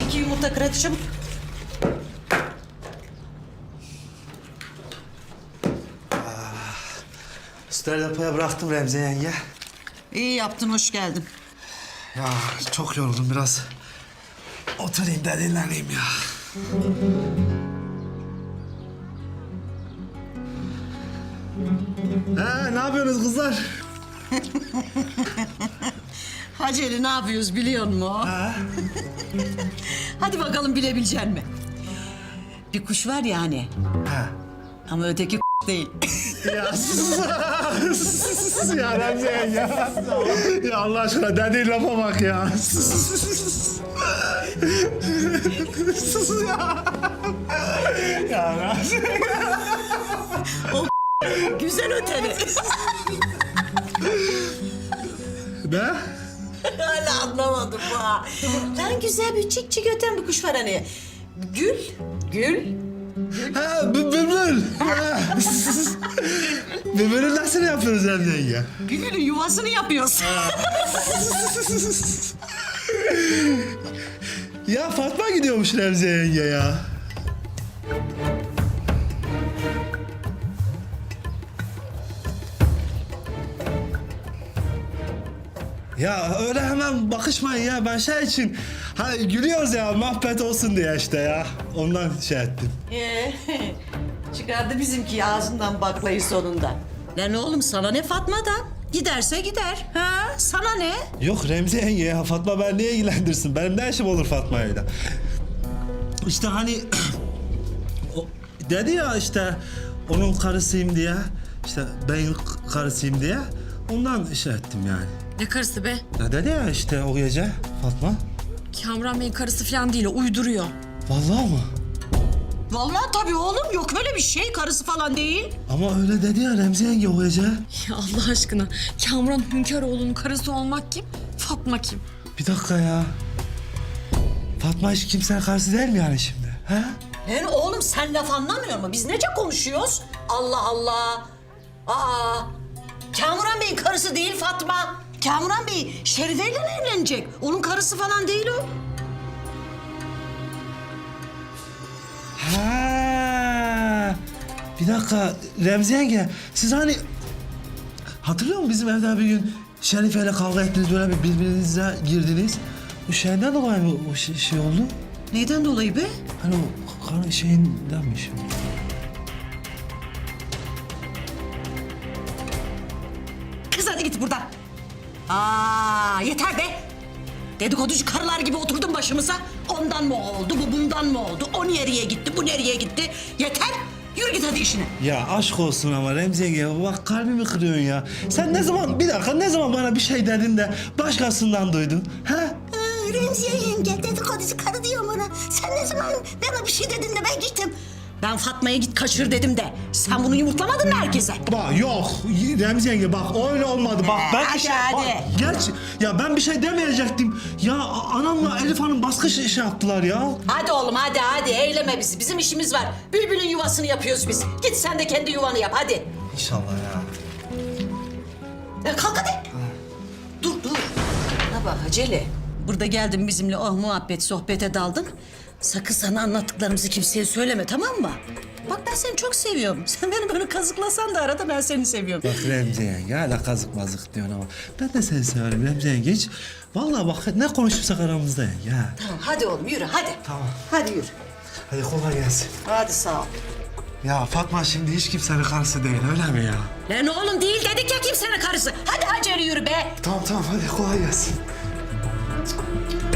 2 yumurta kır hadi çabuk. Sütleri depoya bıraktım Remzi yenge. İyi yaptın, hoş geldin. Ya çok yoruldum biraz. Oturayım da dinleneyim ya. Ne yapıyorsunuz kızlar? Haceli ne yapıyoruz biliyor musun? Hadi bakalım bilebilecek mi? Bir kuş var ya hani. Ama öteki değil. Ya sus ya Remzi yenge. Ya Allah aşkına dediğin lafa bak ya. Sus ya. Ya Remzi. Güzel öteni. Ne? Hala anlamadım ha. Lan güzel bir çik çik öten bir kuş var hani. Gül. Ha, bülbül. Bülbülü nasıl yapıyoruz Remzi yenge? Gül'ün yuvasını yapıyoruz. Ya Fatma gidiyormuş Remzi yenge ya. Ya öyle hemen bakışmayın ya. Ben şey için... Hani gülüyoruz ya, muhabbet olsun diye işte ya. Ondan şey ettim. Çıkardı bizimki ağzından baklayı sonunda. Lan oğlum sana ne Fatma'dan? Giderse gider. Ha? Sana ne? Yok Remzi yenge ya. Fatma ben niye ilgilendirsin? Benim ne işim olur Fatma'yla? İşte hani... o, dedi ya işte onun karısıyım diye. İşte ben karısıyım diye. Ondan şey ettim yani. Ne karısı be? Ya dedi ya işte o gece Fatma. Kamran Bey'in karısı falan değil, o uyduruyor. Vallahi mı? Vallahi tabii oğlum yok öyle bir şey. Karısı falan değil. Ama öyle dedi ya Remzi yenge o gece. Ya Allah aşkına, Kamran Hünkaroğlu'nun karısı olmak kim? Fatma kim? Bir dakika ya. Fatma hiç kimsenin karısı değil mi yani şimdi? Ha? Lan oğlum sen laf anlamıyor musun? Biz nece konuşuyoruz? Allah Allah. Aa, Kamuran Bey'in karısı değil Fatma. Kamuran Bey Şerife'yle evlenecek. Onun karısı falan değil o. Ha. Bir dakika Remzi yenge siz hani hatırlıyor musun bizim evde bir gün Şerife'yle kavga ettiniz böyle bir birbirinize girdiniz. Bu şeyden dolayı mı o şey oldu? Neyden dolayı be? Hani o karı şeyinden mi şey oldu? Kız hadi git buradan. Aa yeter be. Dedikoducu karılar gibi oturdun başımıza. Ondan mı oldu, bu bundan mı oldu? O nereye gitti, bu nereye gitti? Yeter. Yürü git hadi işine. Ya aşk olsun ama Remzi yenge bak kalbimi kırıyorsun ya. Sen ne zaman bir dakika ne zaman bana bir şey dedin de başkasından duydun? Ha? Remziye yenge dedikoducu karı diyor bana. Sen ne zaman bana bir şey dedin de ben gittim. Ben Fatma'ya git kaçır dedim de. Sen bunu yumurtlamadın mı herkese? Bak yok Remzi yenge bak öyle olmadı bak ben Hadi, bir şey hadi. Bak, gerçi ya ben bir şey demeyecektim. Ya anamla Elif Hanım baskı şey yaptılar ya. Hadi oğlum hadi eyleme bizi. Bizim işimiz var. Bülbülün yuvasını yapıyoruz biz. Git sen de kendi yuvanı yap hadi. İnşallah ya. Ya kalk hadi. Dur. Ne bak Haceli. Burada geldin bizimle muhabbet sohbete daldın. Sakın sana anlattıklarımızı kimseye söyleme tamam mı? Bak ben seni çok seviyorum. Sen beni böyle kazıklasan da arada ben seni seviyorum. Bak Remzi yenge hala kazık mazık diyorsun ama ben de seni severim Remzi yenge hiç. Vallahi bak ne konuşursak aramızda yenge ha. Tamam hadi oğlum yürü hadi. Tamam. Hadi yürü. Hadi kolay gelsin. Hadi sağ ol. Ya Fatma şimdi hiç kimsenin karısı değil öyle mi ya? Lan oğlum değil dedik ya kimsenin karısı. Hadi Hacer yürü be. Tamam hadi kolay gelsin.